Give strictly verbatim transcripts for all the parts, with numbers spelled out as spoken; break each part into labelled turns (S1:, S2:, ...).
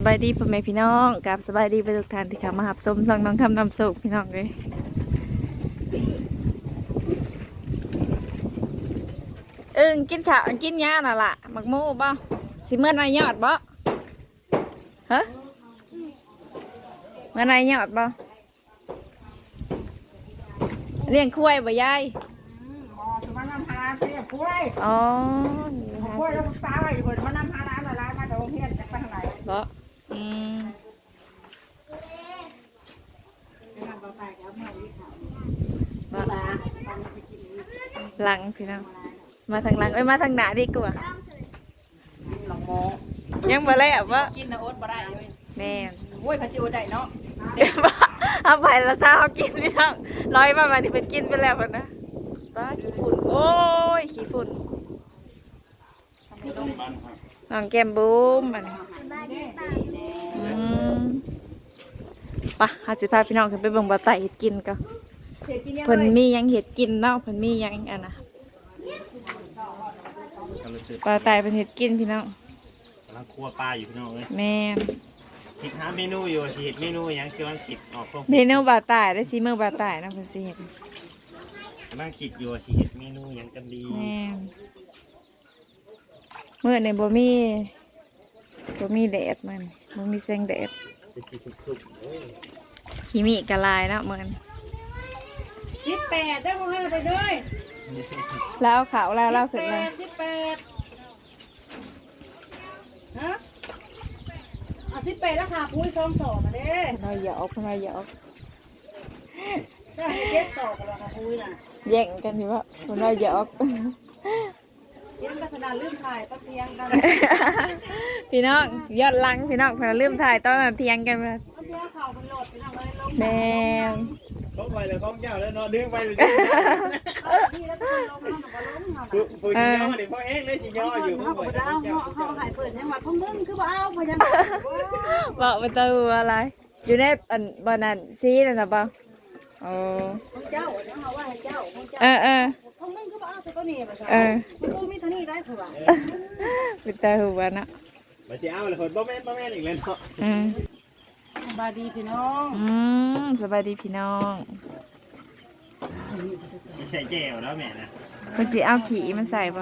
S1: บายดีพ่อแม่พี่น้องกับสบายดีไปทุกท่านที่เข้ามาหับสมซองน้องทำน้ำสุกพี่น้องเลยเอิงกินข้าวกินยาน่ะล่ะหมักหมูบ่สิเมื่อนายยอดบ่ฮะเมื่อนายยอดบ่เลี้ยงคุ้ยบ่ยาย
S2: อ๋อถือว่านำพาร้านเสียคุ้ย
S1: อ๋อ
S2: คุ้ยแล้วตาอยู่บนว่านำพาร้านละร้านมาจากโรงเรียนจะไปทางไหน
S1: บ่อืมหลังพี่น้องมาทางหลังเอ้ยมาทางหน้าดีกว่า
S2: หลงโม
S1: ยังบ่แล้วบ่
S2: กินนะโอ๊ตบ่ได้เลย
S1: แม่
S2: โอ้ยพระจิวได้เนาะ
S1: เดี๋ยวบ่เอาไปแล้วซาเอากินพี่น้องร้อยมาบัดนี้เป็นกินไปแล้วพุ่นนะป้าขี้ฝุ่นโอ้ยขี้ฝุ่นน้องแก้มบุ้มบัดนี้อืมป่ะเฮาสิพาพี่น้องขึ้นไปเบิ่งบ่อไต่เฮ็ดกินก่อนเพิ่นมีหยังเฮ็ดกินเนาะเพิ่นมีหยังอันน่ะบ่อไต่เพิ่นเฮ็ดกินพี่น้อง
S3: กำลังคั่วปลาอยู่พี่น้องเลย
S1: แม่น
S3: คิดหาเมนูอยู่สิเฮ็ดเมนูหยังกำลังคิดออกพวก
S1: เมนูบ่อไต่ได้สิมื้อบ่อไต่นะเพิ่นสิเฮ็ด
S3: กำลังคิดอยู่สิเฮ็ดเมนูหยังกันดี
S1: แม่นมื้อนี้บ่มีบ่มีแดดมันบ่มีแสงแดด
S3: เป็นสิคึบๆโอ้ย
S1: ขี้มีกะลายเนาะมื้อนี้
S2: สิบแปดได้พวกนั้นไปด้วย
S1: แล้วเอาขาวแล้วแล้วขึ้นมา
S2: สิบแปดฮะเอาสิบแปดแล้วค่ะปุ้ยซองสอบมาเด้
S1: น้อยหยอกน้อยหยอก
S2: ก็ให้เจ็ดสอบกันค่ะปุ้ยน่ะ
S1: แย่งกันอยู่ว่าน้อยหยอก
S2: เย็นลักษณะลืมถ่ายตะเทียงกัน
S1: พี่น้องยอดลังพี่น้องเพิ่นลืมถ่ายตอนนั้นเที่ยงกันมา
S2: ตะเทียงข่าวเป็นโหลดเป็นอะไรลง
S1: แม่
S3: เขาไปเลยของเจ้าแล้วเนาะดึงไปเลย
S2: พี่แล้วก็ลงน้ำกับลงเนาะ
S3: ผู้สิย่อนี่พ่อเองเลยสิย่ออยู่
S2: เขาบอกดาวเขาหายเปิดยังว่าของมึงคือว่าเอาพยายาม
S1: บอกเป็นตัวอะไรอยู่ในอันบานนั้นซีนั่นน่ะบ่โอ้
S2: ของเจ้าเนี่ยเขาว่าให้เจ้าของเจ้า
S1: เออเออ
S2: ของมึงคือว่าเอาตัวนี้มาใช่
S1: เออ
S2: กูมีเท่านี้ได้ผัว
S1: เป็นตาหัวเนาะ
S3: มาสิเอาเลยคนบ่แม่นบ่แม่นอีกแล้วเนาะ
S1: อืม
S2: สบายดีพี่น้อง
S1: อืมสบายดีพี่น้อง
S3: สิใส่แจ่วแล้วแม่นะ
S1: เพิ่นสิเอาขี้มันใส่บ่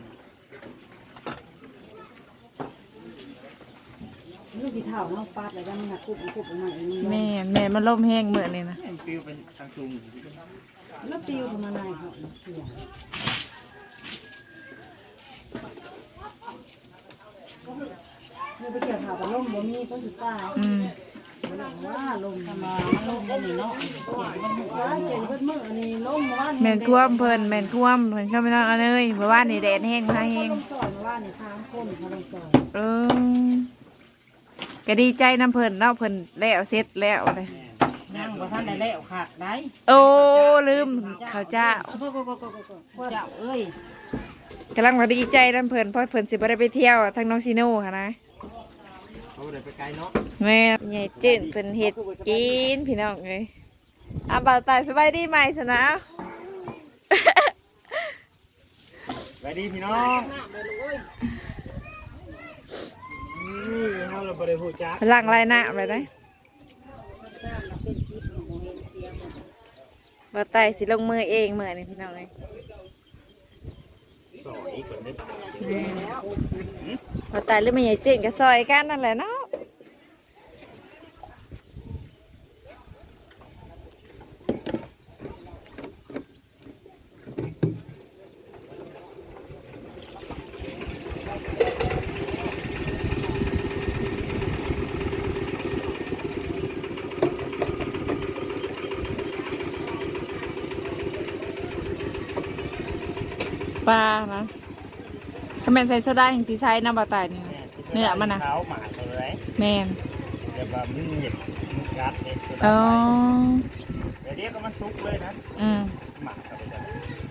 S2: ลูกที่เท่าเนาะปาดอะไรกันมันหักคุบคุบออกมาเอง
S1: แม่แม่มันล่มแห้งมื้อนี้นะ
S3: ฟิวเป็นทางซุง
S2: แล้วปิวมาไหนเขาเนี่ยไปเกี่ยวข่าวกับลมบ่มีต้นสุดท้าย
S1: อืม
S2: ว่าลมมาลมได้นี่เนาะว่าเก่งเพิ่นมื้อนี่ลมว่า
S1: แม่นท่วมเพิ่นแม่นท่วมเพิ่นเข้าไปนอนเอาเลยเพราะว่านี่แดดแห้งมาแห้ง
S2: ลมซอยว่านี่ค้างคนเขาลมซอย
S1: เออก็ดีใจน้ำเพิ่นเนาะเพิ่นแล้วเสร็จแล้วเลย
S2: นั่งบ่ทันได้แล้วขาดได้
S1: โอ้ลืมข้าวเจ้า
S2: เจ้าเอ้ย
S1: กำลังมาดีใจน้ำเพิ่นเพราะเพิ่นสิบ่ได้ไปเที่ยวทางน้องซีโน่ค่ะนะ
S3: เขาได้ไปไกลเนาะ
S1: แม่ใหญ่จื้นเพิ่นเฮ็ดกินพี่น้องเอ้ยอ่ะบ่าวตายสบายดีไหมสนะ
S3: สบายดีพี่น้องนี่เฮาเราบ่ได้ฮู้จัก
S1: ล้างลายหน้าไปได้บ่าวตายสิลงมือเองมื้อนี้พี่น้องเอ้ย
S3: สอยก่อนเด้
S1: บ่าวตายหรือไม่ใหญ่จื้นก็ซอยกันนั่นแหละเนาะปลานะถ้าแมนใส่โซดาแห่งสีใช้น้ำปลาตายนี่เนื้อมันนะ
S3: เท้าหมาเลย
S1: แมน
S3: แต่แบบมันเหยียบมันกัดเนี่ย
S1: อ๋อ
S3: เดี๋ยวเรียกก็มันซุกเลยนะ
S1: อืม
S3: หมักเข้าไปเลย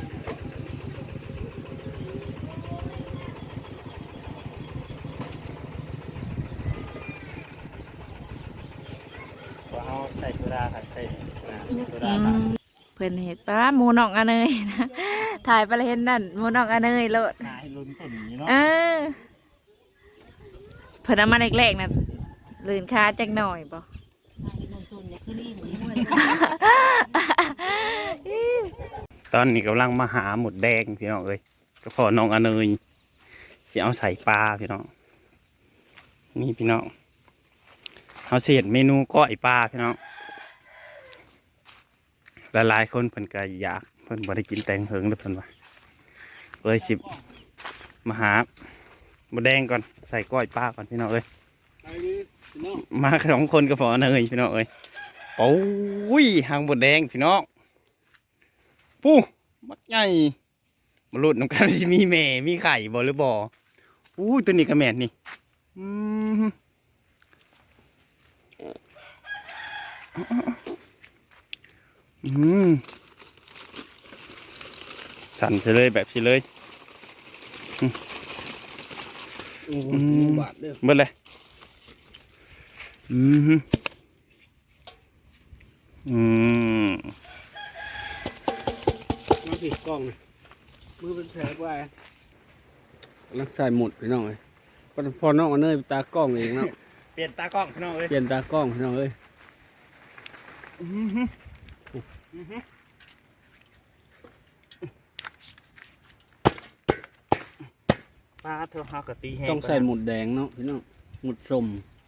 S3: พอเอาใส่โซดาค่ะใส่โซดา
S1: เพื่อนเห็ดปลาหมูนองอันเนยนะถ่ายไปเลยเห็นนั่นหมูนองอันเนยโลด
S3: ให้ลุ้นต้นนี้เนาะ
S1: เออเพื่อนเอามาแรกๆนะลื่นขาจักหน่อยบ่
S4: ตอนนี้กำลังมาหาหมดแดงพี่น้องเอ้ยก็พอน้องอเนยสิเอาใส่ปลาพี่น้องนี่พี่น้องเอาเศษเมนูก้อยปลาพี่น้องหลายๆคนเพิ่นก็อยากเพิ่นบ่ได้กินแตงเหิงแล้วเพิ่นว่าเลยสิมาหาหมดแดงก่อนใส่ก้อยปลาก่อนพี่น้องเอ้ยมาสองคนก็พออเนยพี่น้องเอ้ยโอ้ยหางหมดแดงพี่น้องปูมัดใหญ่มาลุดน้ำกันที่มีแม่มีไข่บ่หรือบ่อู้ตัวนี้กระแมนนี่อืมอืมสั่นไปเลยแบบนี้เลยอืมเบิดเลยอืมอืม
S2: มาผิดกล้องเลยมือเป็นแผลไว้รักใส่หมดพี่น้องเลยพอน้องเอาเนยไปตากล้องเองเนาะ
S4: เปลี่ยนตากล้องพี่น้องเอ้ย
S2: เปลี่ยนตากล้องพี่น้องเอ้ย
S4: ปลาเธอหากะตีแห้ง
S2: ต้องใส่หมุดแดงเนาะพี่น้องหมุดส้ม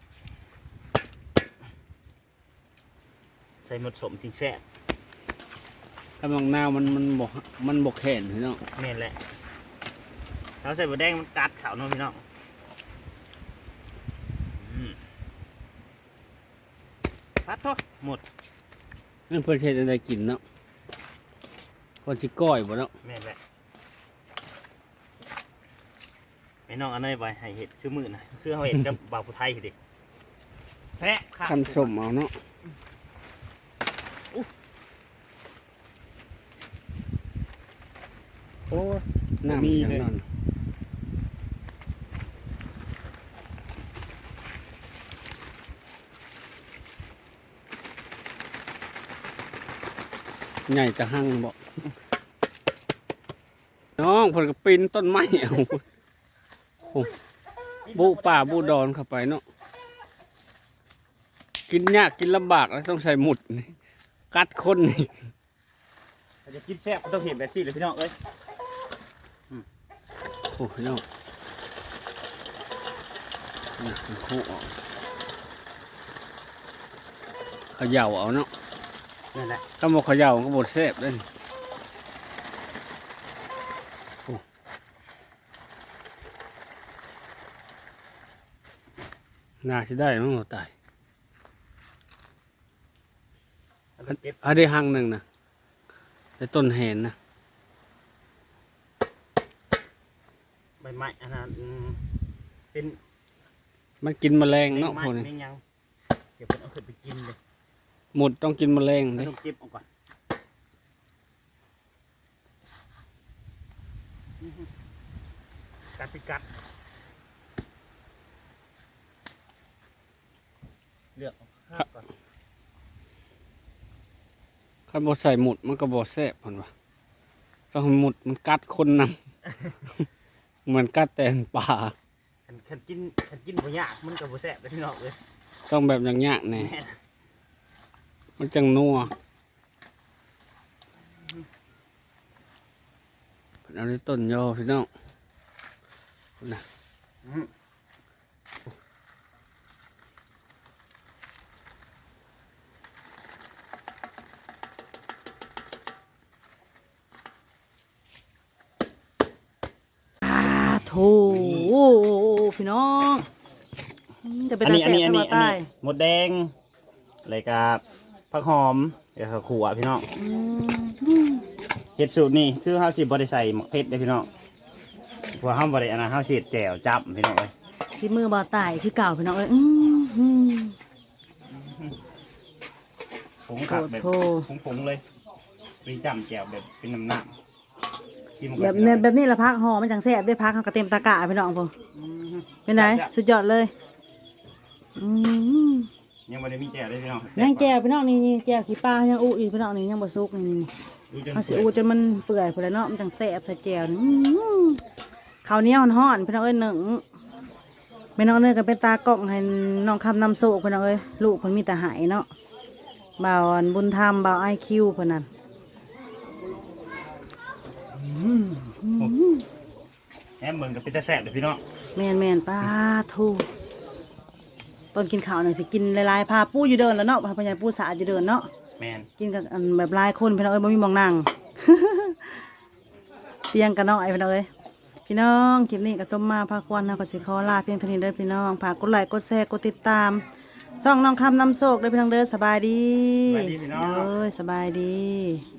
S4: ใส่หมดสมจริงแซ่บ
S2: ถ้าบางนาวมันมันบกมันบกแขนพี่น้อง
S4: แม่นแหละเราใส่บะแดงมันกัดเขาเนาะพี่น้องอืมพัดโทษหมด
S2: นั่นเพื่อเทศอะไรกินเนาะพอชิก้อยบ่เนาะ
S4: แม่นแหละไอ้น้องอันนี้ไปให้เห็ดชื่อมือนะคือเขาเห็ดกับ บ่าวผู้ไทยสิแพะค่ะ
S2: ขั้นสมเอาเนาะ
S4: โอ้
S2: น้ำ
S4: มี
S2: อย่าง
S4: เลย
S2: นั้นใหญ่จะหั่งบ่น้องผลกระปินต้นไม้เอาโอ้บุป่าบุดอนเข้าไปเนาะกินยากกินลำบากแล้วต้องใส่หมุดนี่กัดคนนี่
S4: ถ้าจะกินแซ่บต้องเห็นแบบนี้เลยพี่น้องเอ้ย
S2: โอ้พี่น้องนี่เป็นคู่ออกเขย่าเอาเนาะ
S4: นั่นแหละ
S2: ถ้าบอกเขย่าก็บดแซ่บเลยโอ้น่าจะได้มั้งเราตาย
S4: แล้วก็เก็บ
S2: อันนี้หังหนึ่งนะแต่ต้นแหนนะ
S4: ใบไม้อันนั้นอืมเป็น
S2: มันกินแมลงเนาะ
S4: ไม้
S2: พวกนี้
S4: ไม่ยังเดี๋ยวผมเอาขึ้นไปกินเลย
S2: หมดต้องกินแมลง
S4: ไม่
S2: เลย
S4: ต้องเก็บเอาก่อนกัดไปกัดเลือกเอาข้าวก่อน
S2: ถ้าบดใส่หมุดมันก็บดแซ่บพันวะต้องให้หมุดมันกัดคนนำ เหมือนกัดแตนป่า
S4: ขันขันกินขันกินบ่ยากมันก็บ่แซ่บเลยพี่น้องเลย
S2: ต้องแบบอย่างยากแน่
S4: แม่น
S2: มันจังนัวเอาในต้นยอพี่น้องนะ
S4: อืม
S1: โถพี่น้องจะเป็น
S4: อันนี้อันนี้อันนี้
S1: ตา
S4: อัน
S1: แสบ
S4: นี้หมดแดงอะไรกับผักหอมแล้วก็ขั่วพี่น้อง
S1: อืม
S4: เห็ดสูตรนี่คือเฮาสิบ่ได้ใส่หมักเผ็ดเด้อพี่น้องเพราะเฮาบ่ได้อันนั้นเฮาสิเฮ็ดแจ่วจับพี่น้องเอ้ย
S1: ที่มือบ่าวตายคือเก่าพี่น้องเอ้ยอืมอืม
S4: ผงขักแบบ
S1: โถ
S4: ผงๆเลยเป็นจำแจ่วแบบเป็นน้ำหนัก
S1: แบบเนี่ยแบบนี้ละพักห่อมันจังแซ่บได้พักเขาก็เต็มตะกร้าพี่น้องพอเป็นไงสุดยอดเลยอืม
S4: ยังบ่ได้มีแจ่วเลยพี่น้อง
S1: ยังแจ่วพี่น้องนี่นี่แจ่วขี้ปลายังอู้อีกพี่น้องนี่ยังบ่สุกนี่นี่
S4: ดูจน
S1: เอาสิอู้จนมันเปื่อยพุ่นแล้วเนาะมันจังแซ่บใส่แจ่วนี่อื้อหือข้าวเหนียวฮ้อนๆพี่น้องเอ้ยหนึ่ง
S5: แม่น้องเนยก็เป็นตากล้องให้น้องคำนำโศกเพิ่นเอาเอ้ยลูกเพิ่นมีแต่หายเนาะบ่าวอันบุญธรรมบ่าวไอคิวเพิ่นนั่น
S3: แหมเมืองก็เป็นตาแซ่บเด้อพี่น้อง
S5: แม่นแม่นป้าทูตอนกินข้าวหน่อยสิกินหลายๆพาปูอยู่เดินแล้วเนาะพาพญายปูสาดอยู่เดินเนาะ
S3: แม่น
S5: กินกับอันแบบหลายคนพี่น้องเอ้ยบ่มีหมองนั่ง เตียงกันเนาะไอ้พี่น้องเอ้ยพี่น้องคลิปนี้ก็สมมาพาควรนะก็สิขอลาเพียงเท่านี้เด้อพี่น้องฝากกดไลค์กดแชร์กดติดตามช่องน้องคำนำโชคเด้อพี่น้องเด้อสบายดี
S3: สวัสดีพี่น้อง
S5: เด้อสบายดี